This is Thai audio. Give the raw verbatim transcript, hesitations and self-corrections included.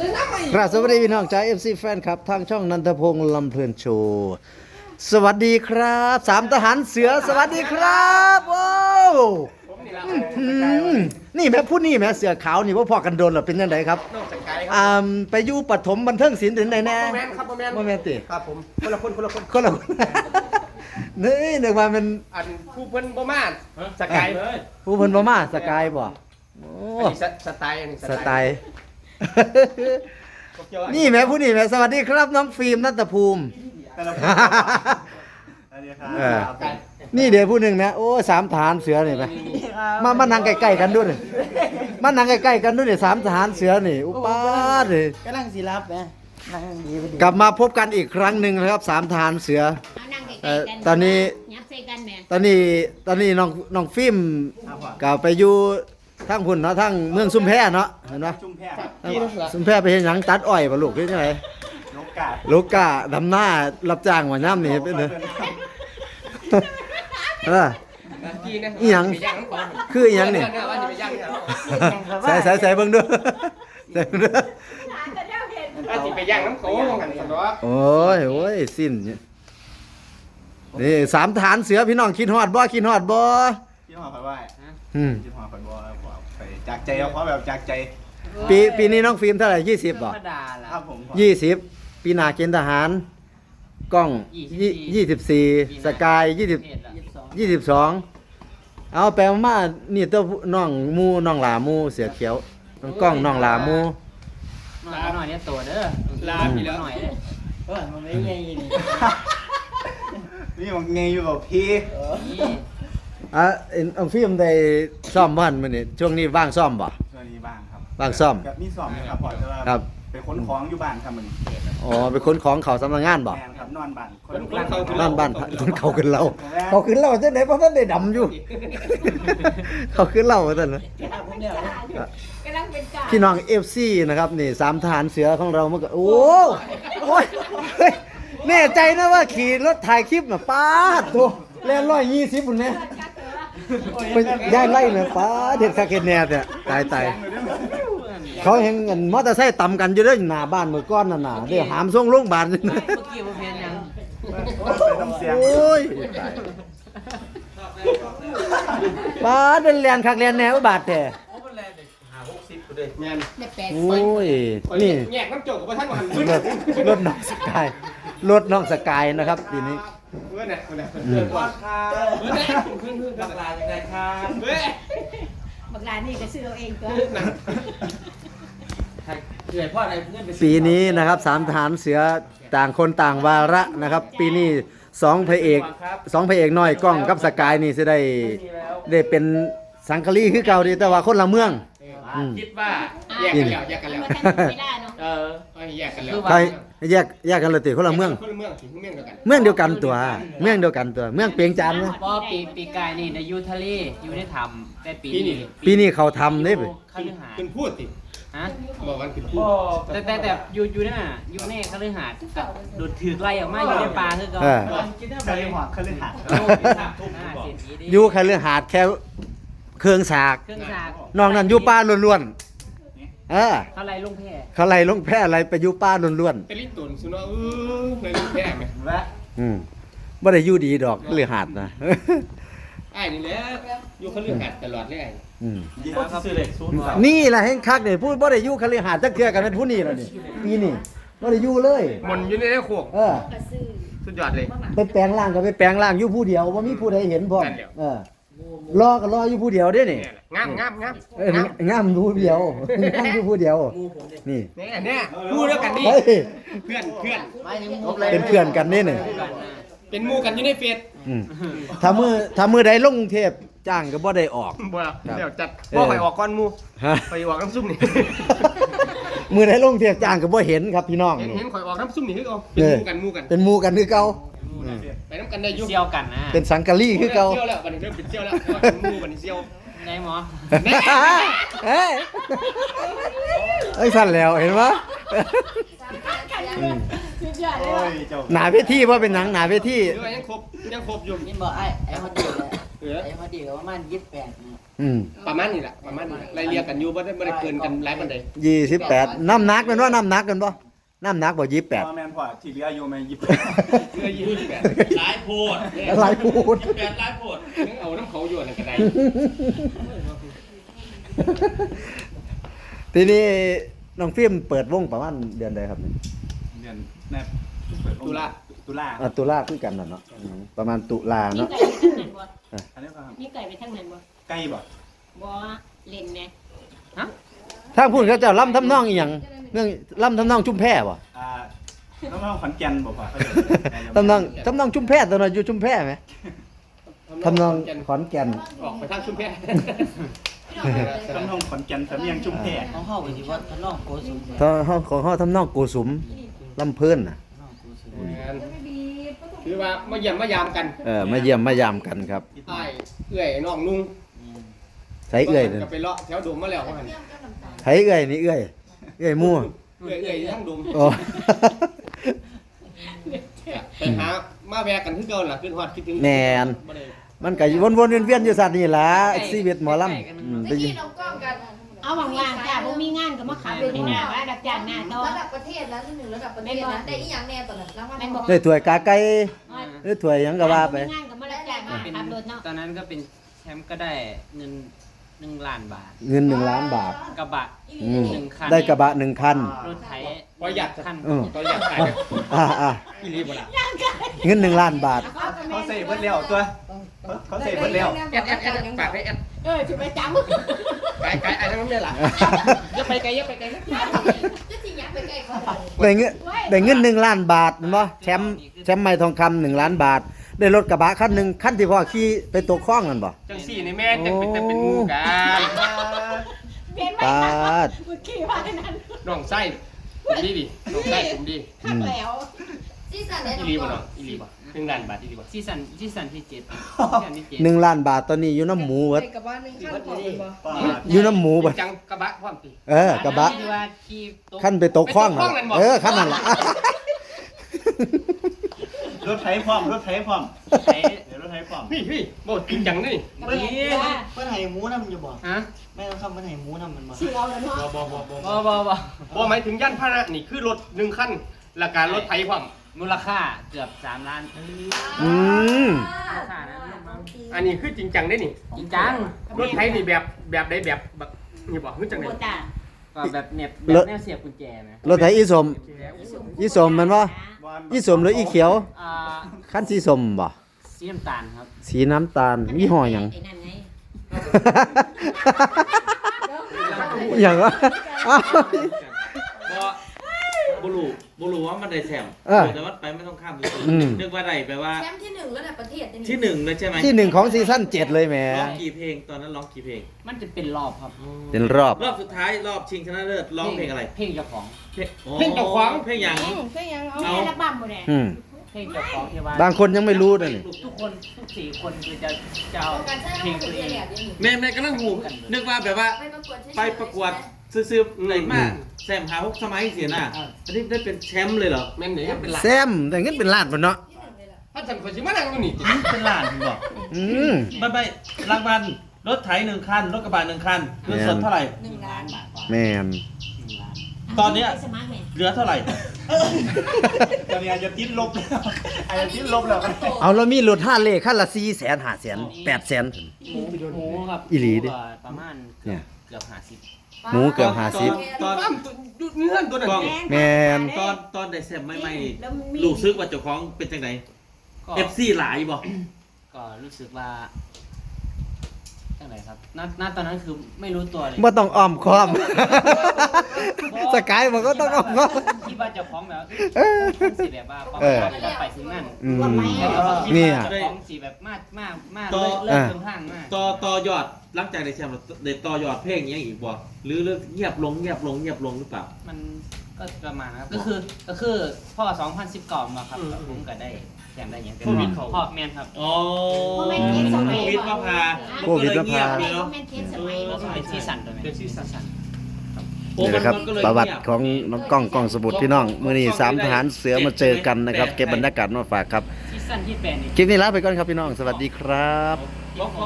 ครับสวัสดีพี่น้องจาก เอฟ ซี แฟนครับทางช่องนันทพงษ์ลำเพลินโชว์สวัสดีครับสามทหารเสือสวัสดีครับโอ้นี่แม่พูดนี่แม่เสือขาวนี่ว่าพอกันโดนหรอเป็นยังไงครับอ่าไปอยู่ปฐมบันเทิงศิลป์ถึงไหนแน่โมเมนต์ครับโมเมนต์โมเมนต์ติครับผมคนละคนคนละคนคนละคนนี่นึกว่ามันอันผู้เพิ่นบ่มาสกายเลยผู้เพิ่นบ่มาสกายบ่โอ้อันนี้สไตล์อันนี้สไตล์นี่แม่ผู้นี่แม่สวัสดีครับน้องฟิล์มนัตภูมิเออนี่เดี๋ยวผู้หนึ่งนะโอ้สามทหารเสือนี่ไปมามานั่งใกล้ๆกันด้วยนี่มานั่งใกล้ๆกันด้วยนี่สามทหารเสือนี่อุปาดิกำลังสิรับนะนั่งดีพอดีกลับมาพบกันอีกครั้งหนึ่งนะครับสามทหารเสือเอานั่งใกเอ่ล้อๆกันตอนนี้ยับใส่กันแม่ตอนนี้ตอนนี้น้องน้องฟิล์มก็ไปอยู่ทั้งพุ่นเนาะทั้งเมืองซุมแพเนาะเห็นปะชุ่มแพ้ซุมแพไปเห็นหยังตัดอ้อยป่ะลูกหรือยังไงนกกาลูกกะดำหน้ารับจ้างว่าย่ำนี่เป็นเด้อเออ อีหยังคืออีหยังนี่ ใส่ใส่ใส่เบิ่งด้วยใส่เบิ่งด้วยอันที่ไปย่างน้ำโขงกันสันดอกโอ้ยโอ้ยสิ้นเนี่ยนี่สามฐานเสือพี่น้องคิดฮอดบ่คิดฮอดบ่ที่หอผัดว่าอืมที่หอผัดว่าไปจากใจเอาเพราะแบบจากใจปีปีนี้น้องฟิล์มเท่าไหร่ยี่สิบบ่ครับผมยี่สิบปีหน้าเกณฑ์ทหารกล้องยี่สิบสี่สกายยี่สิบยี่สิบสองเอาแปลมานี่ตัวน้องมูน้องหลามูเสือเขียวน้องกล้องน้องหลามูลาหน่อยเนี่ยตัวเด้อลาพี่แล้วหน่อยเด้อเออมันไม่ไงนี่นี่มันไงอยู่กับพี่นี่อ่ะเอ็นน้องฟิล์มได้ซ่อมบ้านมื้อนี้ช่วงนี้ว่างซ่อมบ่ช่วงนี้บ้างครับว่างซ่อมกับมีสอบนะครับพอจะว่าครับไปขนของอยู่บ้านครับมันอ๋อไปขนของเขาสำนักงานบ่แมนครับนอนบ้านคนบ้านบ้านคนเขาขึ้นเราเขาขึ้นเราจังได๋เพราะท่านได้ดำอยู่ เขาขึ้นเราว่าซั่นนะกำลังเป็นกาพี่น้อง เอฟ ซี นะครับนี่สามทหารเสือของเราเมื่อกี้โอ้โอ้ยเฮ้ยแน่ใจนะว่าขี่รถถ่ายคลิปน่ะป้าดโตแล่นร้อยยี่สิบพุ่นแน่ไปย้ายไล่น่ะป้าดเด็ดคักเฮ็ดแน่แต่ตายตายเขาเห็นเงินมอเตอร์ไซค์ต่ำกันอยู่เด้อหน้าบ้านมื้อก่อนน่ะน่ะเด้อหามส่งโรงพยาบาลเมื่อกี้บ่เพียนยังไปน้ำเสียงโอ้ยตายป้าดเป็นแลนคักแลนแน่อุบาทแท้แมนได้แปดโอ้ยนี่แยกน้ำโจกกับท่านวันรถรถน้องสกายรถน้องสกายนะครับทีนี้เมื่อเนี่ยเมื่อเนี่ยเมื่อก่อนเมื่อเนี่ยขึ้นขึ้นบักลาอย่างไรครับเฮ้ยบักลานี่ก็ซื้อเอาเองตัวเกิดพ่ออะไรเพื่อนไปปีนี้นะครับสามทหารเสือต่างคนต่างวาระนะครับ ปีนี้สองพระเอกสองพระเอกน้อยกล้องกับสกายนี่จะได้ได้เป็นสังคลีคือเก่าดีแต่ว่าคนละเมือง อืมคิดว่าแยกกันแล้วแยกกันแล้วมาทันเวลาเนาะเออแยกกันแล้วใครแยกแยกกันเลยติคนละเมืองคนละเมืองถึงเมืองเดียวกันเมืองเดียวกันตัว เมืองเดียวกันตัว เมืองเปียงจันทน์นะพอปีปีกายนี่ในยูทะเลอยู่ในถ้ำแต่ปีนี้ปีนี้เขาทำได้ไปคฤหาสขึ้นน์พูดสิฮะบอกกันขึ้นพูดแต่แต่แต่อยู่อยู่นั่นน่ะอยู่ในคฤหาสน์กับดูดถือไล่ออกมาอยู่ในป่าคือเก่าเออเคยหัวเคยหัดโอ้ยสามทุ่มอ่าเศรษฐีดิอยู่แค่เรื่องหาดแค่เครื่องสากเครื่องสากนอกนั้นอยู่ป่าล้วนๆเออเขาไล่ลงแพเขาไล่ลงแพร่อะไรไปอยู่ป่าล้วนเป็นลิ้นตุนสุนัขเออในลิ้นแพงไงและๆอืมบ่ได้อยู่ดีดอกเรื่องหาดนะไอ้นี่แหละอยู่เขาเรื่องหัดตลอดเลยไอ้อืมยิงครับซื้อเหล็กซูนย์นี่แหละแห่งคักเนี่ยพูดบ่ได้อยู่คฤหาสน์จักเทื่อกันเป็นผู้นี้แล้วนี่ปีนี้บ่ได้อยู่เลยมนอยู่ในโคกเออก็ซื้อสุดยอดเลยไปแปลงร่างก็ไปแปลงร่างอยู่ผู้เดียวบ่มีผู้ใดเห็นพร้อมนั่นแหละเออรอก็รออยู่ผู้เดียวเด้นี่เนี่ยแหละงามงามงามเอองงามอยู่ผู้เดียว งามอยู่ผู้เดียวนี่เนี่ยเนี่ยพูดแล้วกันนี่เฮ้ยเพื่อนเพื่อนเป็นเพื่อนกันนี่นี่เป็นหมู่กันอยู่ในเฟซอืมถ้ามือถ้ามือใดลงกรุงเทพจ้างก็บ่ได้ออกบ่เดี๋ยวจัดเออบ่ไปออกก้อนหมู่ฮะไปออกน้ำซุ่มนี่มือใดลงกรุงเทพจ้างก็บ่เห็นครับพี่น้องเห็นนี่เห็นข่อยออกน้ำซุ่มนี่คือเอาเป็นหมู่กันหมู่กันเป็นหมู่กันคือเก่าไปน้ำกันได้อยุ่เซี่ยวกันนะเป็นสังกะลีคือเก่าเซี่ยวแล้วบัดนี้เริ่มเป็นเซี่ยวแล้วเพราะว่าเป็นหมู่บัดนี้เซี่ยวไหนหมอเอ้ยเอ้ยสั่นแล้วเห็นปะสุดยอดเลยโอ้ว่ะยเจ้าหนาเวทีว่าเป็นหนังหนาเวทีหรือว่ายังครบยังครบอยู่นี่บอกไอ้ไอ้เขาดีเลยเออไอ้พอดีก็ประมาณยี่สิบแปดนี่อืมประมาณนี้แหละประมาณนี้ไล่เรียกกันอยู่บ่ได้บ่ได้เกินกันหลายปานใดยี่สิบแปดน้ำหนักเป็นว่าน้ำหนักกันบ่น้ำหนักบ่ยี่สิบแปดพ่อแม่นพ่อที่เหลืออยู่แม่ยี่สิบเพื่อยี่สิบแปดหลายโพดอะไรพูดแปดหลายโพดยังเอาน้ำเขาอยู่นั่นก็ได้ทีนี้น้องฟิล์มเปิดวงประมาณเดือนใดครับเนี่ยเดือนแน่เปิดตุลาตุลาอ่ะตุลาคือกันน่ะเนาะอืมประมาณตุลานี่เนาะไก่ไปทางนั้นบ่อันนี้ก็ครับนี่ไก่ไปทางนั้นบ่ใกล้บ่บ่เล่นแน่ทางพูดเขาเจ้าล่ำทำนองอีหยังเรื่องล่ำทำนองชุมแพบ่อ่าน้องๆขอนแก่นบ่พ่อเขาจะทำนองทำนองชุมแพตอนนั้นอยู่ชุมแพไหมทำนองขอนแก่นออกไปทางชุมแพน้องๆขอนแก่นสำเนียงชุมแพของเฮาก็สิว่าทะเลาะโกสุมตอนเขาของเขาทำนองโกสุมลำเพิ่นน่ะทะเลาะโกสุมคือว่ามาเยี่ยมมายามกันเออมาเยี่ยมมายามกันครับอ้ายเอื้อยน้องนุ่งใช้เอื้อยนั่นก็ไปเลาะแถวดมมาแล้วว่าหั่นใช้เอื้อยนี่เอื้อยเอื้อยมั่วเอื้อยเอื้อยทั้งดมโอ้ไปหามาแวะกันคือเก่าล่ะขึ้นฮอดคิดถึงแม่นบ่ได้มันก็วนๆเวียนๆอยู่ซั่นนี่ล่ะชีวิตหมอลำอืมได้ยินเอาว่างๆจ้าบ่มีงานก็มาขับรถให้หน้าว่ารับจ้างหน้าต่อระดับประเทศแล้วที่หนึ่งระดับประเทศนะได้อีหยังแน่ตอนนั้นรางวัลแม่นบ่ได้ถ้วยกาไก่หรือถ้วยหยังก็ว่าไปมีงานก็มารับจ้างมาเป็นขับรถเนาะตอนนั้นก็เป็นแชมป์ก็ได้เงินหนึ่งล้านบาทเงินหนึ่งล้านบาทกระบะอืมหนึ่งคันได้กระบะหนึ่งคันรถไถประหยัดคันอืมประหยัดขายอ่าอ่าอีหลีบ่ล่ะเงินหนึ่งล้านบาทเขาใส่เบิดแล้วตัวเขาใส่เบิดแล้วแอดแอดแอดฝากให้แอดเออสิไปจำไกลไกลไอ้ทั้งนั้นเลยล่ะอย่าไปไกลอย่าไปไกลนะก็จริงอยากไปใกล้เขาได้เงินได้เงินหนึ่งล้านบาทเห็นบ่แชมป์แชมป์ไม้ทองคำหนึ่งล้านบาท ได้รถกระบะคันหนึ่งคันที่พ่อขี่ไปตกคลองนั่นบ่จังสี่นี่แม่จังเป็นแต่เป็นหมู่กันเปลี่ยนไปปาค่ะดเมื่อกี้ว่านั้นน้องไส้ผมดีดิน้องไส้ผมดีคักแล้วซีซั่นเนี่ยอีหลีบ่น้องอีหลีบ่หนึ่งล้านบาทอีหลีบ่ซีซั่นซีซั่นที่เจ็ดซีซั่นที่เจ็ดหนึ่งล้านบาทตอนนี้อยู่น้ำหมูเบิดกับบ้านนึงขั้นของบ่ป้าอยู่น้ำหมูเบิดจังกระบะพร้อมติเออกระบะที่ว่าขี่ตกคันไปตกคลองนั่นล่ะเออคันนั่นล่ะรถไถพร้อมรถไถพร้อมไถเดี๋ยวรถไถพร้อมพี่พี่บ่จริงจังนี่เมื่อกี้ว่าเพิ่นให้หมูนำอยู่บ่ฮะแม่ต้องคำเพิ่นให้หมูนำมันบ่สิเอาแล้วเนาะบ่บ่บ่บ่บ่บ่บ่บ่หมายถึงย่านพาหนะนี่คือรถหนึ่งคันและการรถไถพร้อมมูลค่าเกือบสามล้านอืมมูลค่านะอันนี้คือจริงจังได้นี่จริงจังรถไถนี่แบบแบบใดแบบแบบนี่บ่คือจังได๋โบตาก็แบบเน็บแบบแนวเสียบกุญแจนะรถไถอีสม อีสมแมันบ่อีสมหรืออีเขียวอ่าคันสีสมบ่สีน้ำตาลครับสีน้ำตาลยี่ห้อหยังไอ้นั่นไงอย่างวะอ้าวบ่บ่รู้บ่รู้ว่ามันได้แชมป์เออแต่ว่าไปไม่ต้องข้ามเลยอืมนึกว่าได้แปลว่าแชมป์ที่หนึ่งระดับประเทศที่หนึ่งเลยใช่ไหมที่หนึ่งของซีซั่นเจ็ดเลยแหมร้องกี่เพลงตอนนั้นร้องกี่เพลงมันจะเป็นรอบครับเป็นรอบรอบสุดท้ายรอบชิงชนะเลิศร้องเพลงอะไรเพลงเจ้าของเพลงเพลงเจ้าของเพลงหยังใช่ยังเอาเอาอัลบั้มบ่ได้อืมเพลงเจ้าของที่ว่าบางคนยังไม่รู้ด้วยนี่ทุกคนทุกสี่คนคือจะจะเอาการใช้เพลงเป็ตันวเองแหลกยังแม่แม่กำลังหูนึกว่าแบบว่าไปประกวดไปประกวดซื้อๆอะไรมากแซมหาฮกสมัยเสียน่ะอันนี้ได้เป็นแชมป์เลยเหรอแม่นนี่เป็นหลักแซมแต่เงินเป็นล้านบ่เนาะถ้าฉันคนสิมานั่งอยู่นี่เป็นล้านถึงบอกอืมไม่ไม่รางวัลรถไถหนึ่งคันรถกระบะหนึ่งคันเงินสดเท่าไหร่หนึ่งล้านแม่นตอนเนี้ยไปสมัครแม่เหลือเท่าไหร่ตอนนี้อาจจะติดลบแล้วอาจจะติดลบแล้วเอาแล้วมีรถห้าเลขคันละสี่แสนห้าแสนแปดแสนหมูหมูครับอีหลีดิก็ประมาณเนี่เกือย บเกือบห้าสิบหมูเกือบห้าสิบตอนตั้มอยู่เงื่อนตัวนั้นกล้องแม่นตอนตอนได้แซมไม่ไม่แล้วมีรู้สึกว่าเจ้าของเป็นจังไดก็เอฟซีหลายบ่ก็รู้สึกว่าจังไรครับณณตอนนั้นคือไม่รู้ตัวเลยบ่ต้องอ้อมค้อม สกายมันก็ต้องอ้อมค้อมคิดว่าเจ้าของแบบเออสีแบบว่าประเออมาณจะไปถึงนั่นอืมแล้วก็คิดเนี่ว่าย เจ้าของสีแบบมากมากมากเลยเลิกเดินทางมากต่อต่อยอดหลังจากได้แชมป์ได้ต่อยอดเพลงอยังอีกบ่หรือเลิกเงียบลงเงียบลงเงียบลงหรือเปล่ามันก็ประมาณนะครับก็คือก็คือพ่อสองพันสิบก่อนมาครับผมก็ได้แชมป์ได้อย่างเป็นโควิดเขาพ่อแมนครับอ๋อโมเมนต์เทสสมัยโควิดมาพาโควิดมาพานก็เลยเงียบเลยโมเนาะเมนต์เทสสมัยแล้วก็เป็นซีซั่นตัวไหมเป็นซีซั่นโอ้นี่มันะนครับมันก็เลยประวัติเงียบของน้องกล้องกล้องสมุทรพี่น้องมื้อนี้สามทหารเสือมาเจอกันนะครับ เก็บบรรยากาศมาฝากครับซีซั่นที่แปดนี่คลิปนี้ลาไปก่อนครับพี่น้อง สวัสดีครับโอเคสิบหก